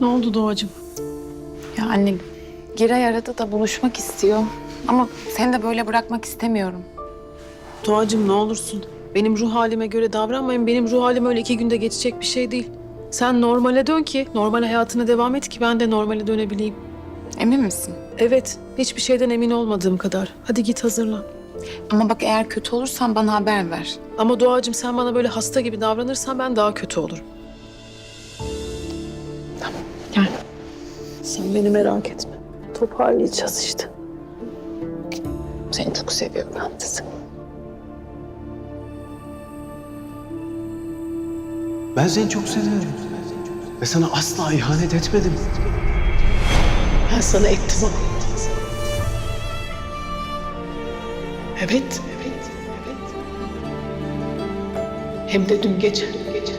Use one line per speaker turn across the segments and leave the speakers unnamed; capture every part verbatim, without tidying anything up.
Ne oldu Doğacığım?
Ya anne, Giray aradı da buluşmak istiyor. Ama seni de böyle bırakmak istemiyorum.
Doğacığım ne olursun. Benim ruh halime göre davranmayın. Benim ruh halim öyle iki günde geçecek bir şey değil. Sen normale dön ki, normal hayatına devam et ki ben de normale dönebileyim.
Emin misin?
Evet, hiçbir şeyden emin olmadığım kadar. Hadi git hazırlan.
Ama bak eğer kötü olursan bana haber ver.
Ama Doğacığım sen bana böyle hasta gibi davranırsan ben daha kötü olurum.
Gel.
Sen beni merak etme. Toparlayacağız işte.
Seni çok seviyorum ben de seni.
Ben seni çok seviyorum. Ve sana asla ihanet etmedim.
Ben sana ettim ama. Evet, evet, evet. Hem de dün gece. Dün gece.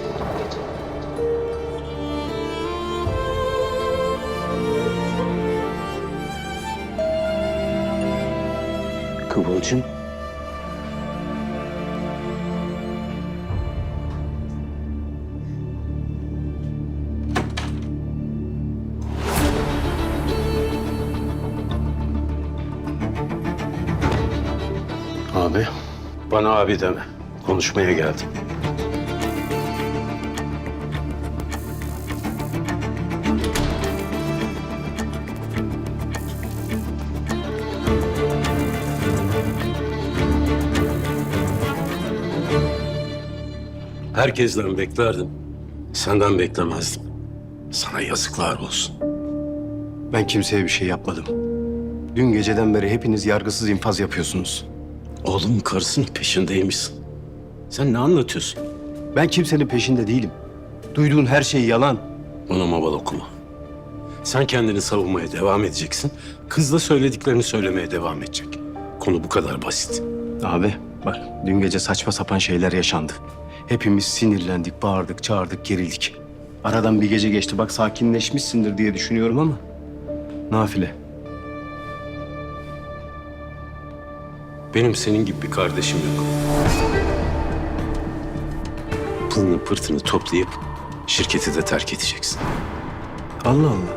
Kıvılcım. Abi, bana abi deme. Konuşmaya geldim. Herkesten beklerdim. Senden beklemezdim. Sana yazıklar olsun.
Ben kimseye bir şey yapmadım. Dün geceden beri hepiniz yargısız infaz yapıyorsunuz.
Oğlum karısının peşindeymişsin. Sen ne anlatıyorsun?
Ben kimsenin peşinde değilim. Duyduğun her şey yalan.
Bana maval okuma. Sen kendini savunmaya devam edeceksin. Kız da söylediklerini söylemeye devam edecek. Konu bu kadar basit.
Abi bak dün gece saçma sapan şeyler yaşandı. Hepimiz sinirlendik, bağırdık, çağırdık, gerildik. Aradan bir gece geçti bak sakinleşmişsindir diye düşünüyorum ama... Nafile.
Benim senin gibi bir kardeşim yok. Pılını pırtını toplayıp şirketi de terk edeceksin.
Allah Allah.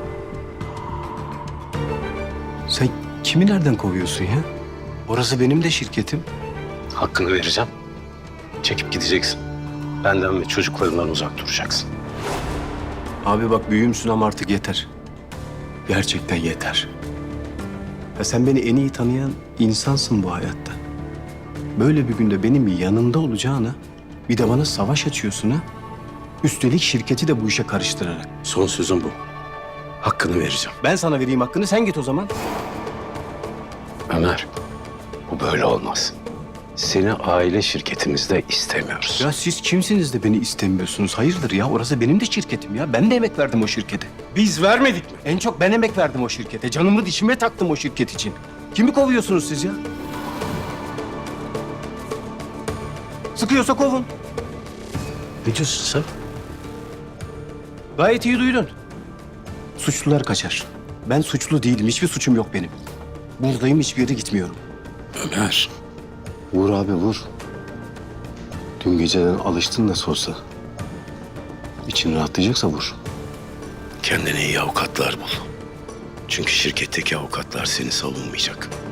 Sen kimi nereden kovuyorsun ya? Orası benim de şirketim.
Hakkını vereceğim. Çekip gideceksin. Benden ve çocuklarından uzak duracaksın.
Abi bak büyüğümsün ama artık yeter. Gerçekten yeter. Ya sen beni en iyi tanıyan insansın bu hayatta. Böyle bir günde benim yanımda olacağına bir de bana savaş açıyorsun ha. Üstelik şirketi de bu işe karıştırarak.
Son sözüm bu. Hakkını vereceğim.
Ben sana vereyim hakkını sen git o zaman.
Ömer, bu böyle olmaz. Seni aile şirketimizde istemiyoruz.
Ya siz kimsiniz de beni istemiyorsunuz? Hayırdır ya orası benim de şirketim ya. Ben de emek verdim o şirkete.
Biz vermedik mi?
En çok ben emek verdim o şirkete. Canımı dişime taktım o şirket için. Kimi kovuyorsunuz siz ya? Sıkıyorsa kovun.
Ne diyorsun sen?
Gayet iyi duydun. Suçlular kaçar. Ben suçlu değilim. Hiçbir suçum yok benim. Buradayım, hiçbir yere gitmiyorum.
Ömer.
Vur abi vur. Dün geceden alıştın nasıl olsa. İçin rahatlayacaksa vur.
Kendine iyi avukatlar bul. Çünkü şirketteki avukatlar seni savunmayacak.